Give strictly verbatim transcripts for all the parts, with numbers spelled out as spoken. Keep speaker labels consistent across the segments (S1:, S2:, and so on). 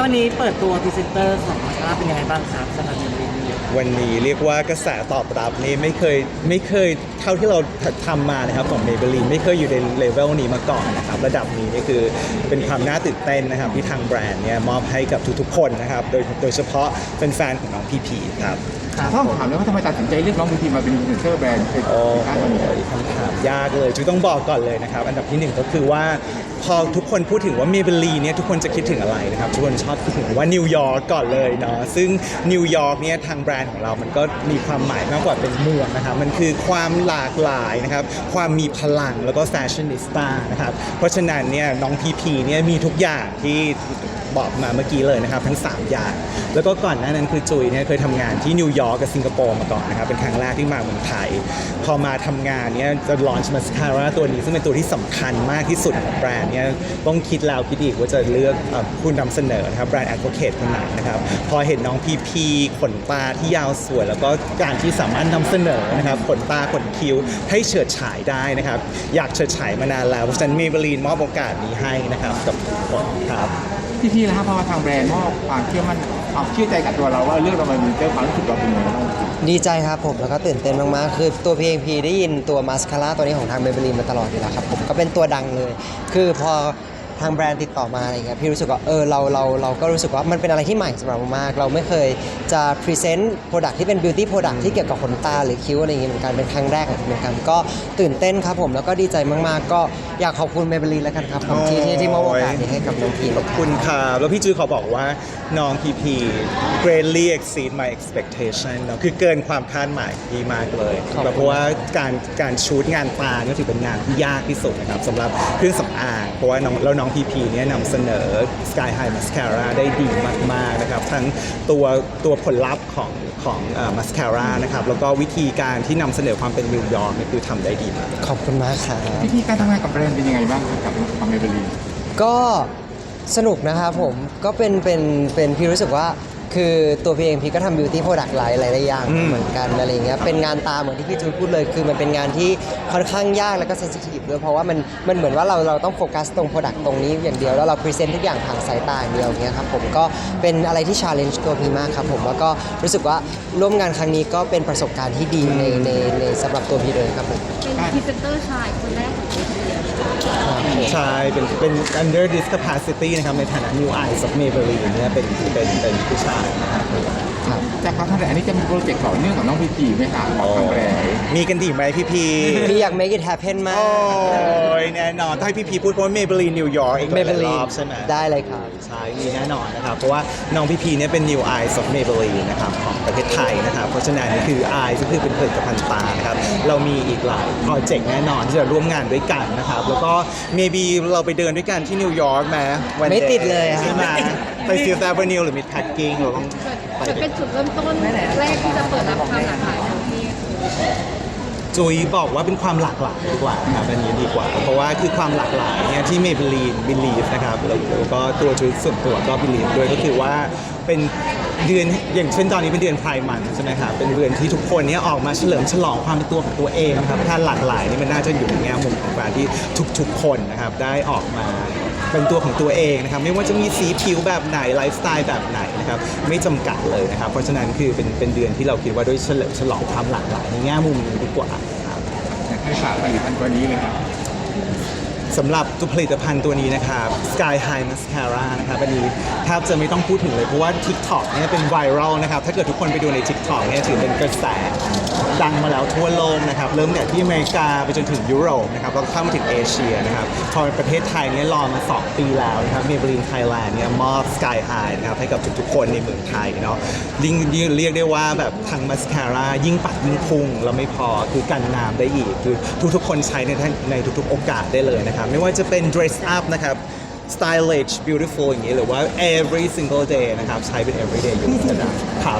S1: วันนี้เปิดตัวพรีเซนเตอร์ของมาสคาร่าเป็นยังไงบ้างครับสำหรับเมเบลีนนี้
S2: วันนี้เรียกว่ากระแสตอบรับนี่ไม่เคยไม่เคยเท่าที่เราทำมานะครับของเมเบลีนไม่เคยอยู่ในเลเวลนี้มาก่อนนะครับระดับนี้นี่คือเป็นความน่าตื่นเต้นนะครับที่ทางแบรนด์เนี่ยมอบให้กับทุกๆคนนะครับโดยโดยเฉพาะเป็นแฟนของน้องพีพีครับ
S3: ต้องถามเลยว่าทำไมตัดสินใจเลือกน้องพีพีมาเป็นพรีเซนเตอร์แบรนด์เป็น
S2: โอ้
S3: สินค้าตัวนี้
S2: ยคำถามยากเลยจุ๊ยต้องบอกก่อนเลยนะครับอันดับที่หนึ่งก็คือว่าพอทุกคนพูดถึงว่าเมเบลีเนี่ยทุกคนจะคิดถึงอะไรนะครับทุกคนชอบคิดถึงว่านิวยอร์กก่อนเลยเนาะซึ่งนิวยอร์กเนี่ยทางแบรนด์ของเรามันก็มีความหมายมากกว่าเป็นเมืองนะครับมันคือความหลากหลายนะครับความมีพลังแล้วก็แฟชั่นนิสต้านะครับเพราะฉะนั้นเนี่ยน้องพีพีเนี่ยมีทุกอย่างที่บอกมาเมื่อกี้เลยนะครับทั้งสามอย่างแล้วก็ก่อนหน้านั้นคือจุยเนี่ยเคยทำงานที่นิวยอร์กกับสิงคโปร์มาก่อนนะครับเป็นครั้งแรกที่มาเมืองไทยพอมาทำงานเนี่ยจะลอนช์มาสคาร่าตัวนี้ซึ่งเป็นตัวที่สำคัญมากที่สุดของแบรนด์เนี่ยต้องคิดแล้วคิดอีกว่าจะเลือกผู้นำเสนอนะครับแบรนด์แอดโวเคทคนไหนนะครับพอเห็นน้องพีพีขนตาที่ยาวสวยแล้วก็การที่สามารถนำเสนอนะครับขนตาขนคิ้วให้เฉิดฉายได้นะครับอยากเฉิดฉายมานานแล้วเพราะฉะนั้นเมเบลีนมอบโอกาสนี้ให้นะครับกับทุกคนครับ
S3: พี่พี่นะครับพอมาทางแบรนด์มอบความเชื่อมั่นความเชื่อใจกับตัวเราว่าเรื่องเรามันมีเจ้าความรู้สึกเราเป็นยังไงบ้าง
S4: ดีใจครับผมแล้วก็ตื่นเต้นมากๆคือตัว พี เอ็ม พี ได้ยินตัวมาสคาร่าตัวนี้ของทางเมเบลีนมาตลอดอยู่แล้วครับผมก็เป็นตัวดังเลยคือพอทางแบรนด์ติดต่อมาอะไรเงี้ยพี่รู้สึกว่าเออเราเราเราก็รู้สึกว่ามันเป็นอะไรที่ใหม่สำหรับเรามากเราไม่เคยจะพรีเซนต์โปรดักที่เป็นบิวตี้โปรดักที่เกี่ยวกับขนตาหรือคิ้วอะไรอย่างเงี้ยเหมือนกันเป็นครั้งแรกเหมือนกันก็ตื่นเต้นครับผมแล้วก็ดีใจมากๆก็อยากขอบคุณเมเบลีนแล้วกันครับผมที่ที่ที่มอบโอกาสนี้ให้กับน้องพี
S2: ขอบคุณครับแล้วพี่จื้อขอบอกว่าน้องพีพี greatly exceed my expectation เนาะคือเกินความคาดหมายดีมากเลยเพราะว่าการการชูตงานตาเนี่ยถือเป็นงานที่ยากที่สุดนะครับสำหรับเครื่องสำอางเพราะว่าน้องแล้วน้องพีพีเนี่ยนำเสนอ Sky High Mascara ได้ดีมากๆนะครับทั้งตัวตัวผลลัพธ์ของของมัสคาร่านะครับแล้วก็วิธีการที่นำเสนอความเป็นนิวยอร์กเนี่ยคือทำได้ดีมาก
S4: ขอบคุณมากครับ
S3: วิธีการทำงานกับแบรนด์เป็นยังไงบ้างกับของเมเบลีน
S4: ก็สนุกนะครับผมก็เป็นเป็นเป็นพี่รู้สึกว่าคือตัวพี่เองพี่ก็ทำบิวตี้โปรดักต์หลายหลายอย่างเหมือนกันอะไรเงี้ยเป็นงานตาเหมือนที่พี่จูพูดเลยคือมันเป็นงานที่ค่อนข้างยากแล้วก็เซนซิทีฟด้วยเพราะว่ามันมันเหมือนว่าเราเราต้องโฟกัสตรงโปรดักต์ตรงนี้อย่างเดียวแล้วเราพรีเซนต์ทุกอย่างผ่านสายตาอย่างเดียวเงี้ยครับผมก็เป็นอะไรที่ชาเลนจ์ตัวพี่มากครับผมแล้วก็รู้สึกว่าร่วมงานครั้งนี้ก็เป็นประสบการณ์ที่ดีในในในสำหรับตัวพี่เลยครับผม
S5: เป็นพรีเซนเตอร์ชายคนแรกของประเทศ
S2: ใช่เป็นเป็น under this capacity นะครับในฐานะ new eyes of Maybelline เนี่ยเป็นเป็นเป็นผู้ชายนะครับ
S3: จากการทำงานอันนี้จะมีโปรเจกต์ต่อเนื่องกับน้องพีพีไหมครับทางแบรนด์
S2: มีกันดีไหมพี่พี
S4: พี่อยาก make it happen มาก
S2: โอ้ยแน่นอนถ้าให้พี่พีพูดเพราะว่า Maybelline New York อีกหลายรอบใช่ไหม
S4: ได้เลยครับ
S2: ใช่มีแน่นอนนะครับเพราะว่าน้องพีพีเนี่ยเป็น new eyes of Maybelline นะครับของประเทศไทยนะครับเพราะฉะนั้นนี่คือ eyes ก็คือเป็นผลิตภัณฑ์ตานะครับเรามีอีกหลายโปรเจกต์แน่นอนที่จะร่วมงานด้วยกันนะครับแล้วก็ maybe เราไปเดินด้วยกันที่นิวยอร์กไหม
S4: ไม่ติดเลย
S2: ใช่ไหมไป Fifth Avenue หรือ Meatpacking เราต้อง
S5: จะเป็นจุดเริ่มต้นแรกที่จะเปิดรับความหลากหลายของที่
S2: จุยบอกว่าเป็นความหลากหลายดีกว่าครับอันนี้ดีกว่าเพราะว่าคือความหลากหลายเนี่ยที่ Maybelline believe นะครับแล้วก็ตัวจุยส่วนตัวก็ believe ด้วยก็คือว่าเป็นเดือนอย่างเช่นตอนนี้เป็นเดือนไพร์มันใช่ไหมครับเป็นเดือนที่ทุกคนเนี่ยออกมาเฉลิมฉลองความเป็นตัวของตัวเองนะครับถ้าหลากหลายนี่มันน่าจะอยู่ในแง่มุมของการที่ทุกๆคนนะครับได้ออกมาเป็นตัวของตัวเองนะครับไม่ว่าจะมีสีผิวแบบไหนไลฟ์สไตล์แบบไหนนะครับไม่จำกัดเลยนะครับเพราะฉะนั้นคือเป็นเป็นเดือนที่เราคิดว่าด้วยเฉลิมฉลองความหลากหลายในแง่มุมนี้ดีกว่าครับ
S3: อยากให้ฝากผลิตภัณฑ์ตัวนี้เลยครับ
S2: สำหรับตัวผลิตภัณฑ์ตัวนี้นะครับ Sky High Mascara นะครับอันนี้แทบจะไม่ต้องพูดถึงเลยเพราะว่า TikTok เนี่ยเป็นไวรัลนะครับถ้าเกิดทุกคนไปดูใน TikTok เนี่ยถือเป็นกระแสดังมาแล้วทั่วโลกนะครับเริ่มจากที่อเมริกาไปจนถึงยุโรปนะครับแล้วก็เข้ามาถึงเอเชียนะครับพอประเทศไทยเนี่ยรอมาสองปีแล้วนะครับ Maybelline Thailand เนี่ยมอบ Sky High นะครับให้กับทุกๆคนในเมืองไทยเนาะยิ่งเรียกได้ว่าแบบทางมาสคาร่ายิ่งปัดยิ่งพุ่งแล้วไม่พอคือกันน้ำได้อีกคือทุกๆคนใช้ในในทุกๆโอกาสได้เลยนะครับไม่ว่าจะเป็น dress up นะครับ stylish beautiful อย่างนี้หรือว่า every single day นะครับใช้เป็น everyday use นะครับ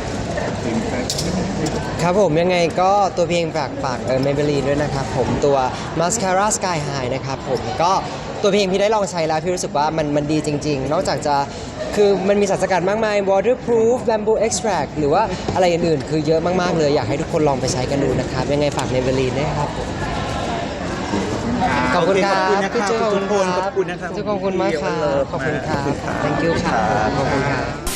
S4: ครับผมยังไงก็ตัวเพียงฝากฝากเออเมเบลีนด้วยนะครับผมตัวมาสคาร่าสกายไฮนะครับผมก็ตัวเพียงพี่ได้ลองใช้แล้วพี่รู้สึกว่ามันมันดีจริงๆนอกจากจะคือมันมีสารสกัดมากมาย waterproof bamboo extract หรือว่าอะไรอื่นๆคือเยอะมากๆเลยอยากให้ทุกคนลองไปใช้กันดูนะครับยังไงฝากเมเบลีนด้วยครับขอบคุณครั
S2: โอบ เคขอบคุณนะค
S4: พี่
S2: รับ
S4: จุ๊บ
S2: ทุกคนขอบคุณนะครับ
S4: จุ๊บขอบคุณมากครับขอบคุณครับ thank you ครับขอบคุณครับ